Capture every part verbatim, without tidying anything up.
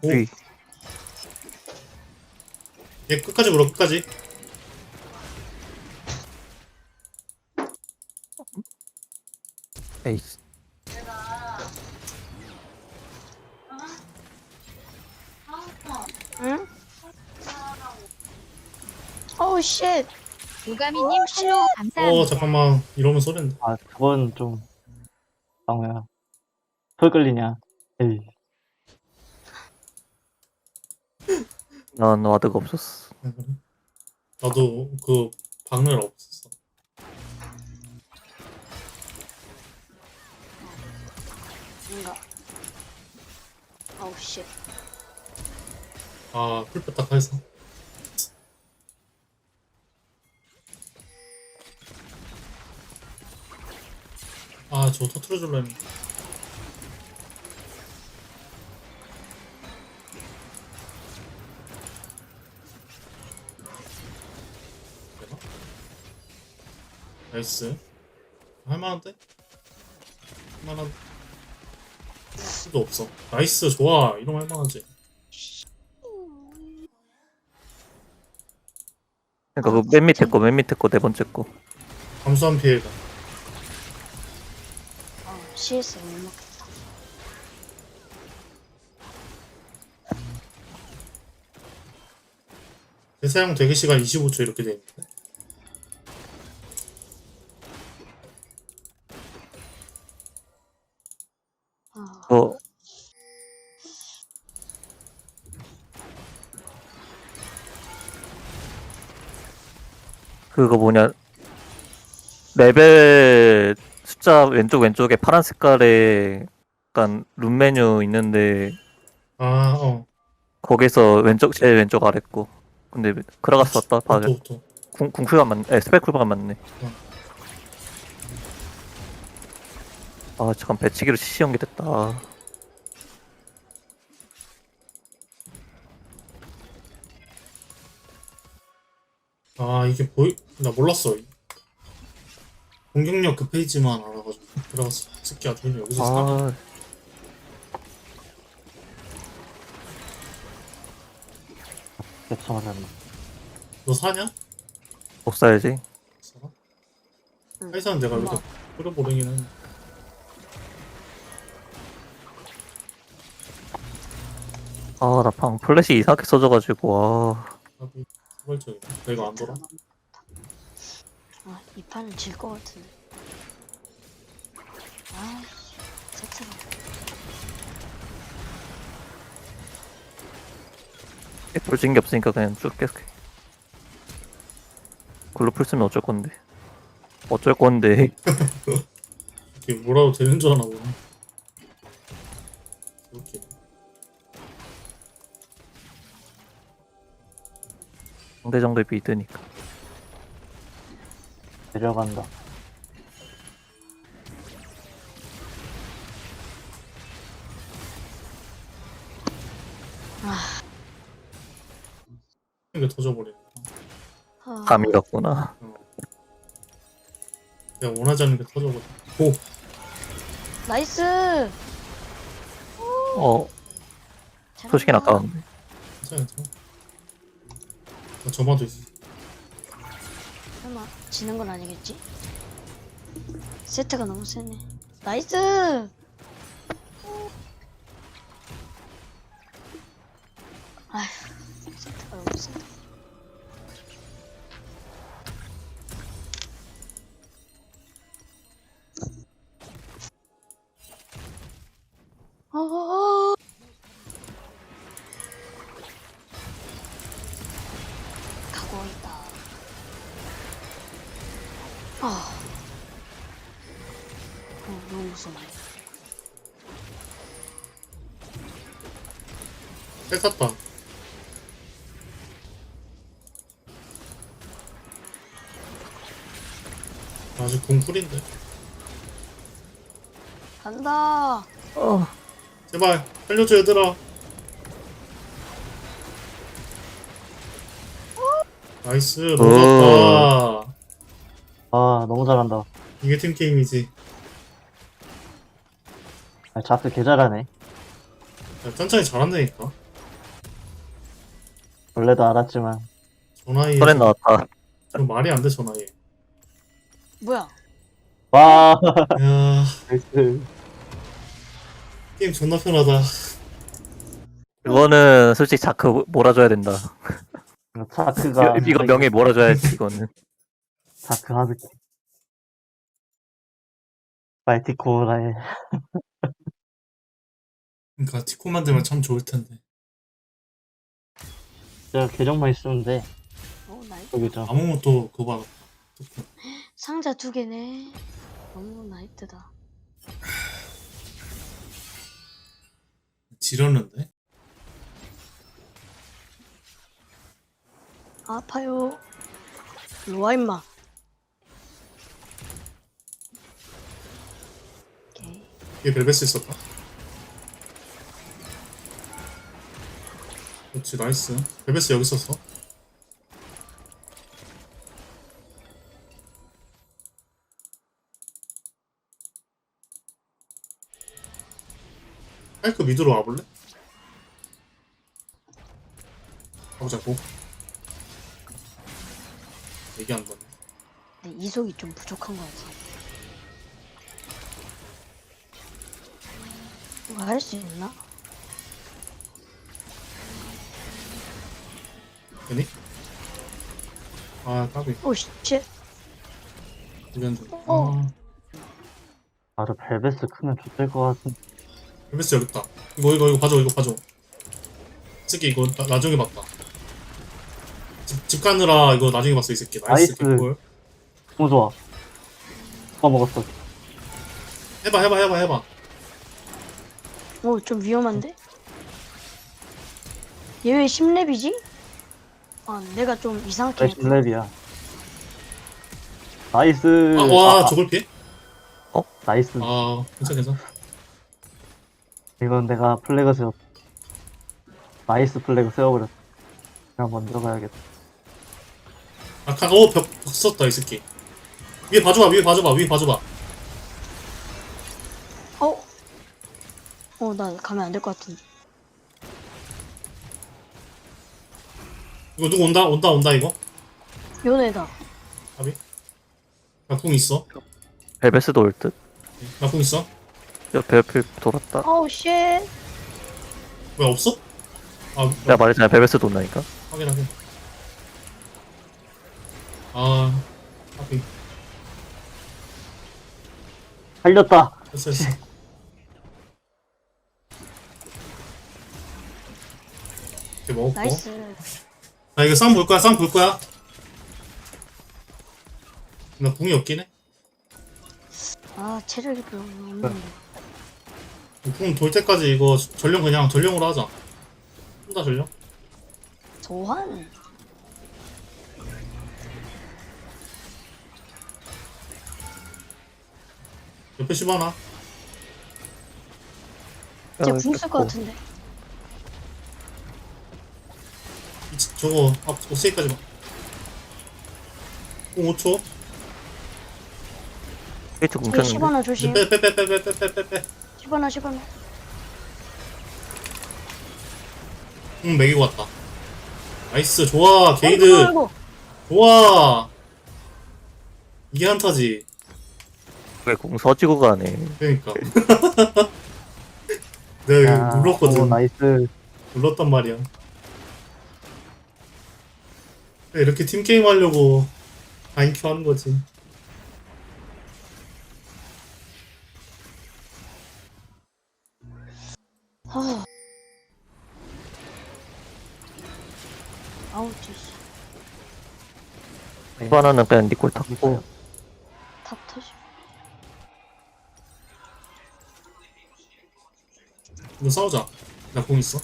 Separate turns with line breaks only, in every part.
오.
위.
얘 끝까지 물어 끝까지.
에이스.
응? 오우 쉣.
요가미님 팔로우 감사합니다.
어 잠깐만 이러면 소린다.
아, 그건 좀, 방어야. 풀 끌리냐. 에이,
난 와드가 없었어.
아, 그래? 나도 그 박늘 없었어.
뭔가. 오우 쉣.
아 풀뺐다 해서. 아저 터트려 줄라 했는데. 되나? 나이스. 할만한데? 할만한. 수도 없어. 나이스 좋아. 이러면 할만하지.
그러니까 그 맨 밑에 거, 맨 밑에 거, 네 번째 거.
감수한 피해가.
어, 씨에스 못 먹겠다.
대사용 대기 시간 이십오 초 이렇게 돼 있는데.
아,
어, 그거 뭐냐. 레벨 숫자 왼쪽 왼쪽에 파란 색깔에 약간 룸 메뉴 있는데
아 어.
거기서 왼쪽 제일 왼쪽 아래 거. 근데 크라가스 왔다. 봐야
또 또.
궁 궁쿨가 맞네. 에 스펙 쿨가 맞네. 아 잠깐 배치기로 씨씨 연계됐다.
아 이게 보이? 나 몰랐어. 공격력 그 페이지만 알아가지고 들어갔어. 새끼 아주 여기서 사.
아
겹쳐맞았네.
너 사냐?
못 사야지.
사?
응.
회사는 내가 이렇게 뿌려보내긴 했는데.
아 나 방 플래시 이상하게 써져가지고 아
답이 사발적이네. 내가 안 돌아?
아, 이 판은 질 것 같은데. 아, 세트가.
볼진 게 없으니까 그냥 쭉 계속해. 글로 풀 쓰면 어쩔 건데. 어쩔 건데.
이게 뭐라도 되는 줄 아나 보네. 이렇게.
상대 정도의 비드니까.
내려간다.
이게 터져버리네.
아,
감이 갔구나.
어. 내가 원하지 않는 게 터져버려. 오!
나이스!
어 솔직히
잘한다.
아까운데.
괜찮아 괜찮아. 나 점화도 있어.
설마, 지는 건 아니겠지? 세트가 너무 세네. 나이스! 아휴, 세트가 너무 세다. 어어어! 가고 있다. 아, 어, 너무 무서워.
뺏었다 아직 공풀인데.
간다.
어
제발 살려줘 얘들아. 나이스 놀랐다.
아, 너무 잘한다.
이게 팀게임이지.
아, 자스 개 잘하네.
야, 천천히 잘한다니까.
원래도 알았지만
저 나이에
털에 나왔다.
좀 말이 안 돼 저 나이에.
뭐야?
와
야
나이스.
게임 존나 편하다.
이거는 솔직히 자크 몰아줘야 된다.
차크가
이거 명예 몰아줘야지 이거는.
차크 하드키 말티코라의
그러니까 티코 만들면 참 좋을 텐데.
진짜 계정만 있으면 돼.
어, 나이
여기죠.
아무것도 그거 받았다.
상자 두 개네. 너무 나이트다.
지렸는데?
아파요. 일로와 임마. 오케이.
이게 벨벳스 있었다. 그렇지 나이스. 벨벳스 여기 있었어. 파이크 미드로 와볼래? 가보자고. 얘기한다.
근데 이속이 좀 부족한 것 같아. 이거 할 수 있나?
되니? 아 까비.
오 씨.
이변 좀.
어.
아
바로 벨베스 크면 좋을 것 같은.
벨벳스 여기 있다. 이거 이거 이거 봐줘 이거 봐줘. 새끼 이거 나, 나중에 봤다. 집, 집 가느라 이거 나중에 봤어 이 새끼. 나이스
나이스.
개꿀.
너무 좋아. 누가 먹었어.
해봐 해봐 해봐 해봐.
오, 좀 위험한데? 얘 왜 십 렙이지? 아, 내가 좀 이상하게
왜 십 렙이야. 나이스.
아, 와
아,
저걸 피해?
나이스.
아 괜찮 괜찮.
이건 내가 플래그 세웠. 나이스 플래그 세워버렸어. 그냥 먼저 가야겠다.
아칸 어벽 벽 썼다 이 새끼. 위에 봐줘봐 위에 봐줘봐 위에 봐줘봐.
어? 어, 나 가면 안 될 것 같은데.
이거 누구 온다 온다 온다 이거.
요네다.
아비. 나궁 있어.
벨베스도 올 듯.
나궁 있어.
옆에 옆에 돌았다.
어우, 쉣.
왜 없어? 아
내가 말했잖아 벨베스도 온다니까.
확인 확인. 아 아비.
살렸다.
됐어 됐어. 이렇게 먹었고.
나이스.
나 이거 쌍 볼 거야 쌍 볼 거야. 나 궁이 없긴 해.
아, 체력이 별로 없는데.
궁 돌 때까지 이거 전령 그냥 전령으로 하자. 혼자 전령.
소환.
옆에 씹어놔.
쟤 궁 쓸 것 같은데.
이, 저거 앞 오세이까지만. 궁 오 초.
스위치
저기
굶겼는데.
십 원아 조심.
빼빼빼빼빼빼빼빼.
십 원아, 십 원아.
궁 매기고 왔다. 나이스 좋아 게이드.
아이고,
좋아. 이게 한타지.
왜공 서지고 가네.
그러니까. 내가
야,
이거 눌렀거든.
오, 나이스.
눌렀단 말이야. 이렇게 팀 게임 하려고 아인큐 하는 거지.
아. 아우, 진짜.
하나는 그냥 니꼴 탔고.
탑 터지.
이거 싸우자. 나 공 있어.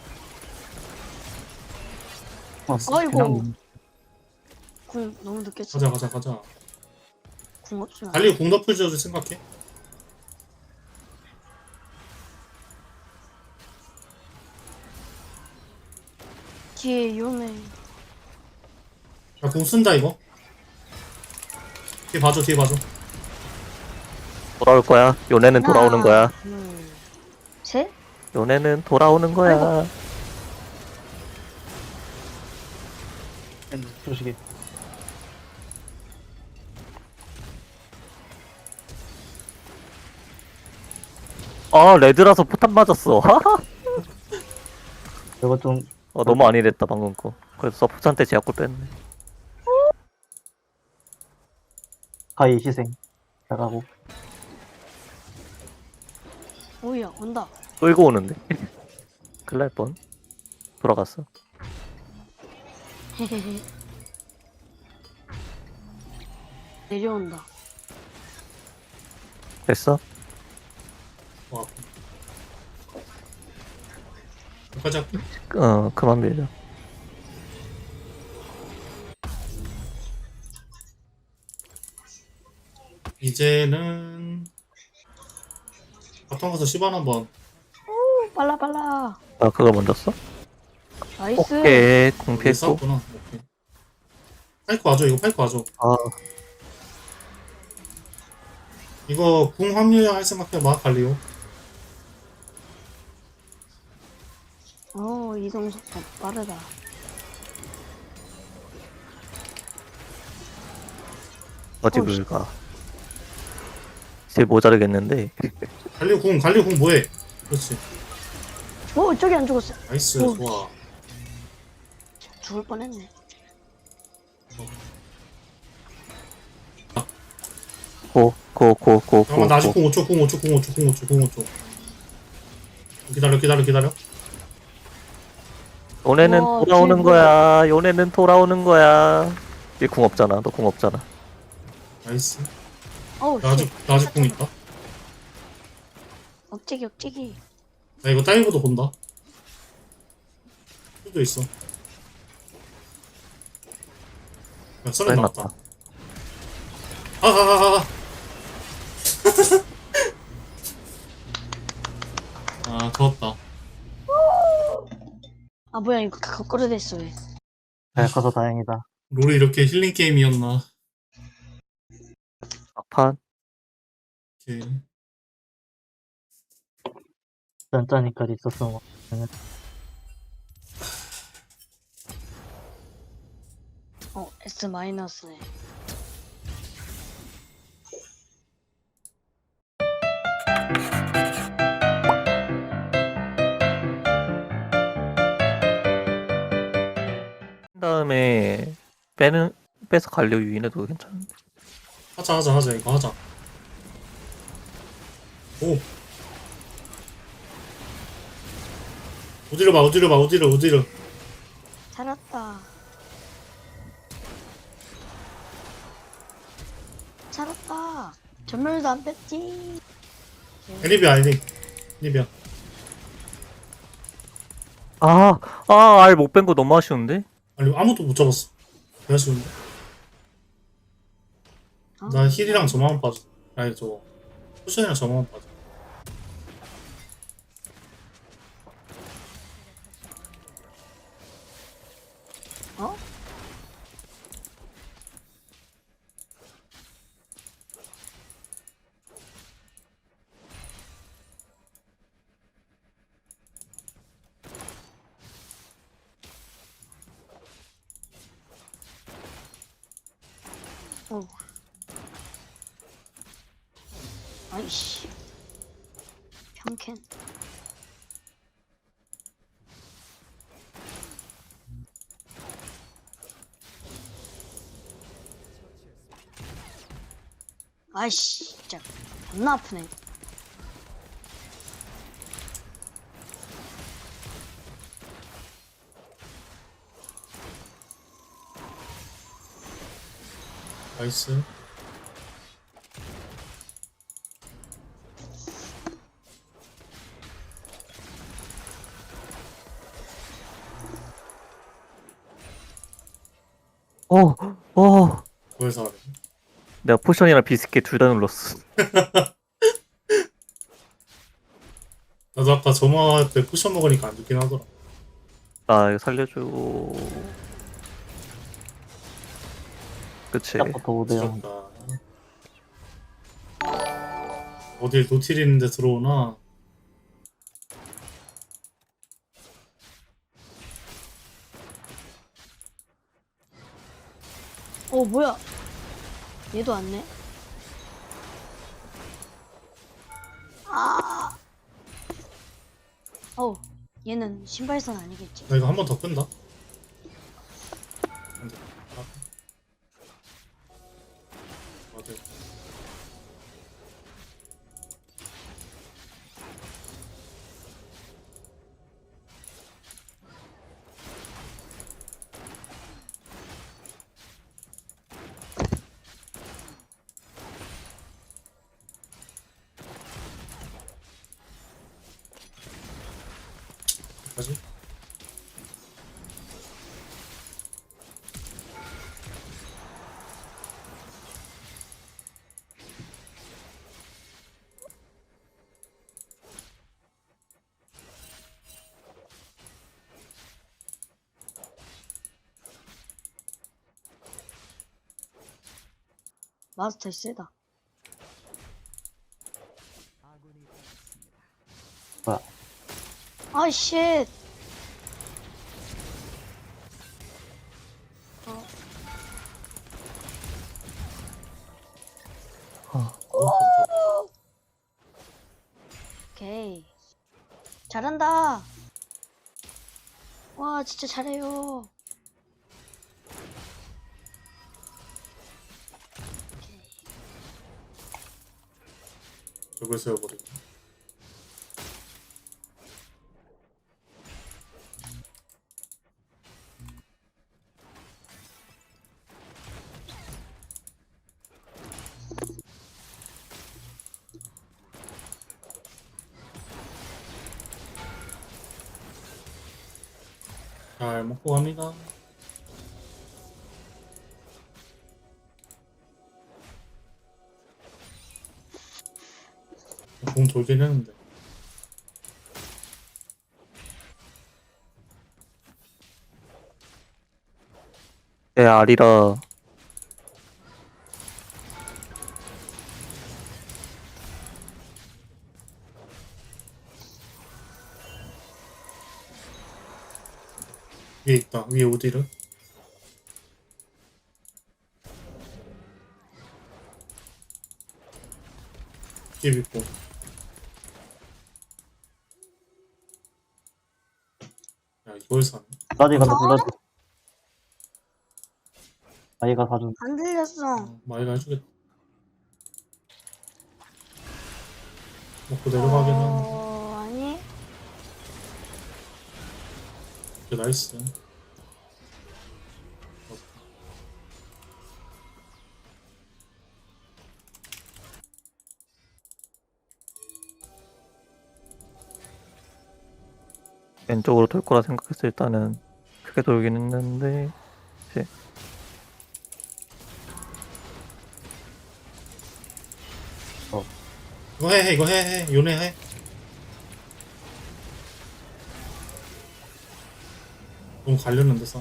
아이고.
그냥
궁 너무 늦게 쳤
가자 가자 가자.
궁 없으면.
달리 공 덮을 줄 생각해.
뒤에 요네.
나 공 쓴다 이거. 뒤에 봐줘 뒤에 봐줘.
돌아올 거야. 요네는 돌아오는 거야.
둘, 셋.
요네는 돌아오는 거야.
조식이.
아 레드라서 포탄 맞았어.
이거 좀
어 너무 안일했다 방금 거. 그래서 서포트한테 제압골 뺐네.
가히 희생. 나가고.
오야 온다.
끌고 오는데. 큰일 날 뻔. 돌아갔어.
헤헤헤. 내려온다.
됐어?
와. 여기까지 할게.
어 그만 밀자.
이제는 바텀 가서 시반 한번.
오 빨라 빨라.
아 그거 먼저 써?
나이스.
오케이 공
여기
피했고.
싸웠구나. 오케이. 파이크 와줘. 이거 파이크 와줘.
아
이거 궁 합류야 할 생각해봐. 갈리오.
어 이동 속도 빠르다.
어디
어, 씨.
불가. 제일 모자르겠는데.
갈리오 궁 갈리오 궁 뭐해? 그렇지.
오 저기 안 죽었어.
나이스.
오.
좋아.
죽을 뻔했네.
고 고 고 고
잠깐만 나 아직
고.
궁 오 초 궁 오 초 궁 오 초 궁 오 초 궁 오 초. 기다려 기다려 기다려.
요네는
와,
돌아오는
뒤에
거야. 요네는 돌아오는 거야. 얘 궁 없잖아. 너 궁 없잖아.
나이스.
어우
나 아직 나 아직 궁 있다.
억제기 억제기.
나 이거 다이브도 본다. 수도 있어. 야, 썰은
끝났다.
나왔다. 아아아아. 아, 좋았다.
아 뭐야 이거 거꾸로 됐어 왜?
잘 커서 다행이다.
롤이 이렇게 힐링 게임이었나?
막판.
이렇게.
짠짜니까지 있었어.
어 S 마이너스네.
다음에 빼는 빼서 갈려 유인해도 괜찮은데.
하자 하자 하자 이거 하자. 오. 어디로 봐 어디로 봐 어디로 어디로.
살았다. 살았다. 전멸도 안 뺐지.
애니비야 애니. 애니비야.
아, 아, 알 못 뺀 거 너무 아쉬운데?
아니 아무도 못 잡았어. 개 아쉬운데.
아,
나 힐이랑 저만 빠져. 아니 저 쿠션이랑 저만 빠져.
어? 어. 아이씨. 평캔. 아이씨, 진짜 존나 아프네.
나이스.
어, 어.
그래서 하래.
내가 포션이랑 비스킷 둘 다 눌렀어.
나도 아까 점화 때 쿠션 먹으니까 안 좋긴 하더라.
나 이거 살려줘. 그치.
시작부터 오 대 영.
지렸다. 어딜 노틸 있는데 들어오나?
뭐야? 얘도 왔네. 아. 어, 얘는 신발선 아니겠지?
나 이거 한 번 더 끈다. 안 돼. 아. 맞아. 뭐지?
마스터 세다.
뭐야?
아, 쉣. 오케이. 잘한다. 와, 진짜 잘해요. 오케이.
저걸 세워버리고. 잘 먹고 갑니다. 공 돌긴 했는데.
내 알이라
위에 있다. 위에 오디르. 뒤에 있고. 야, 이걸 사네.
블라디 간다, 블라디. 아이가 사준.
안 들렸어.
어, 마이가 해주겠다. 먹고 내려가긴 하는데.
어, 아니.
오케이, 나이스.
왼쪽으로 돌 거라 생각했을 때 일단은 크게 돌긴 했는데 이제
이거 해, 해, 이거 해, 해. 요네 해. 너무 갈렸는데, 싸움.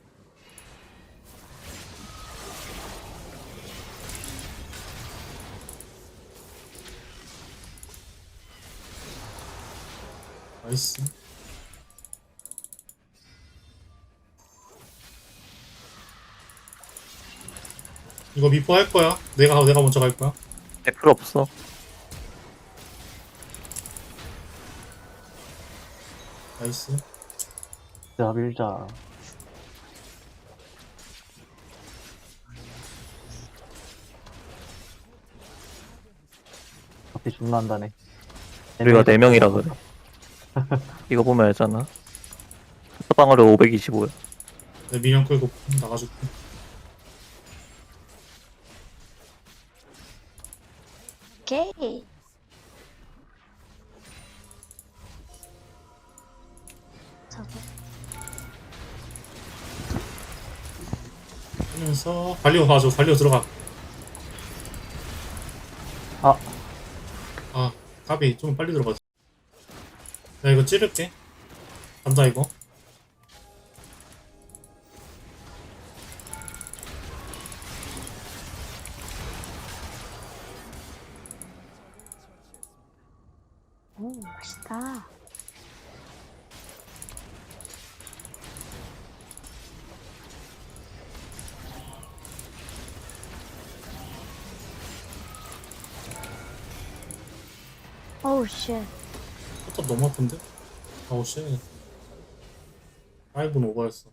나이스. 이거 미포 할 거야. 내가, 내가 먼저 갈 거야.
네, 필요 없어.
나이스.
자, 밀자. 앞이 존나 한다네.
우리가 네 명이라 그래. 이거 보면 알잖아. 방어력 오백이십오야.
내 민영 끌고 나가줄게.
오케이. 저거.
하면서, 발리오 봐줘. 발리오 들어가.
아,
아, 까비. 좀 빨리 들어가자. 나 이거 찌를게. 간다, 이거.
오, 맛있다. 어우 씨.
포탑 너무 아픈데? 아우 씨. 파이브는 오버했어.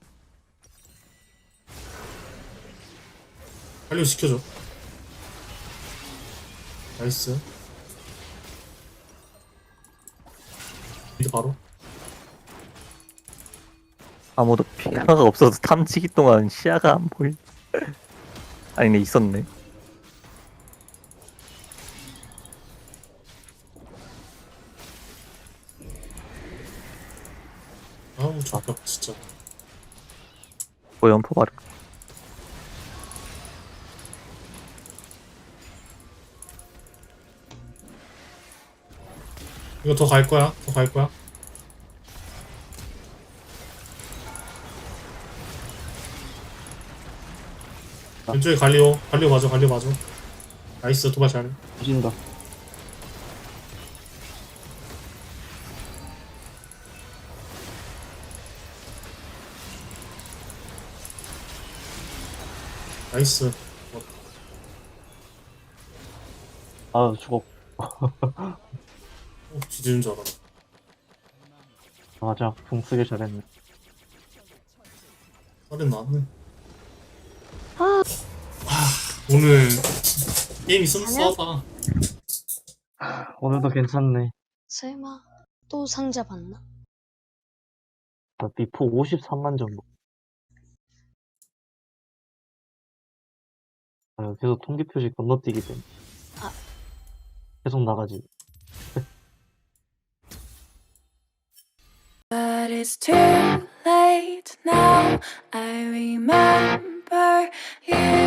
빨리 시켜줘. 나이스. 미드 바로.
아무도 피아가 없어서 탐지기 동안 시야가 안 보이. 아니네 있었네.
아우 저격 진짜.
뭐 연포 바르.
이거 더 갈 거야. 더 갈 거야. 왼쪽에 갈리오. 갈리오 맞아. 갈리오 맞아. 나이스. 도발 잘해.
뒤진다.
나이스.
아, 죽어.
어, 뒤지는 줄 알아.
맞아. 궁 쓰길 잘했네.
살인 나왔네.
아.
오늘 게임이 좀
아니야?
써봐.
오늘도 괜찮네.
설마 또 상자 봤나?
나 비포 오십삼만 점. 아, 계속 통계 표시 건너뛰기 때문에.
아.
계속 나가지.
But it's too late now. I remember you